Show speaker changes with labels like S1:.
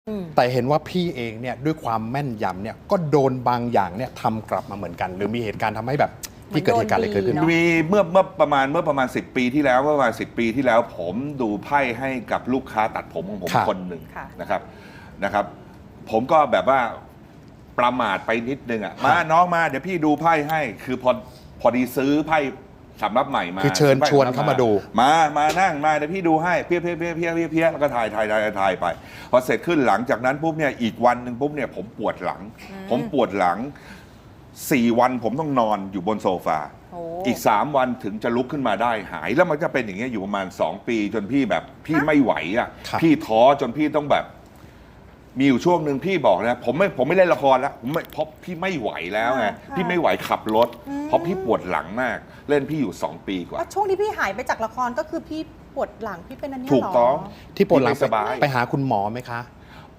S1: แต่เห็นว่าพี่เองเนี่ยด้วยความแม่นยำเนี่ยก็โดนบางอย่างเนี่ยทำกลับมาเหมือนกัน หรือมีเหตุการณ์ทำให้แบบที่เกิดเหตุการณ์อะไรเกิดขึ้น
S2: มีเมื่อประมาณ10 ปีที่แล้วเมื่อประมาณ10 ปีที่แล้ว ผมดูไพ่ให้กับลูกค้าตัดผมของผมคนหนึ่งนะครับ ผมก็แบบว่าประมาทไปนิดนึงอ่ะมาน้องมาเดี๋ยวพี่ดูไพ่ให้คือพอดีซื้อไพ่สำรับใหม่มา
S1: คือเชิญชวนเข้ามาดู
S2: มานั่งมาเดี๋ยวพี่ดูให้เพี้ยแล้วก็ถ่ายไปพอเสร็จขึ้นหลังจากนั้นปุ๊บเนี่ยอีกวันหนึ่งปุ๊บเนี่ยผมปวดหลัง4 วันผมต้องนอนอยู่บนโซฟาอีก3 วันถึงจะลุกขึ้นมาได้หายแล้วมันจะเป็นอย่างเงี้ยอยู่ประมาณ2 ปีจนพี่แบบพี่ไม่ไหวอ่ะพี่ท้อจนพี่ต้องแบบมีอยู่ช่วงหนึ่งพี่บอกนะผมไม่เล่นละครแล้วเพราะพี่ไม่ไหวแล้วไงพี่ไม่ไหวขับรถเพราะพี่ปวดหลังมากเล่นพี่อยู่2 ปีกว่า
S3: ช่วงที่พี่หายไปจากละครก็คือพี่ปวดหลังพี่เป็นอันนี้หรอ
S2: ถูกต้อง
S1: ที่ปวดหลังไปหาคุณหมอไหมคะ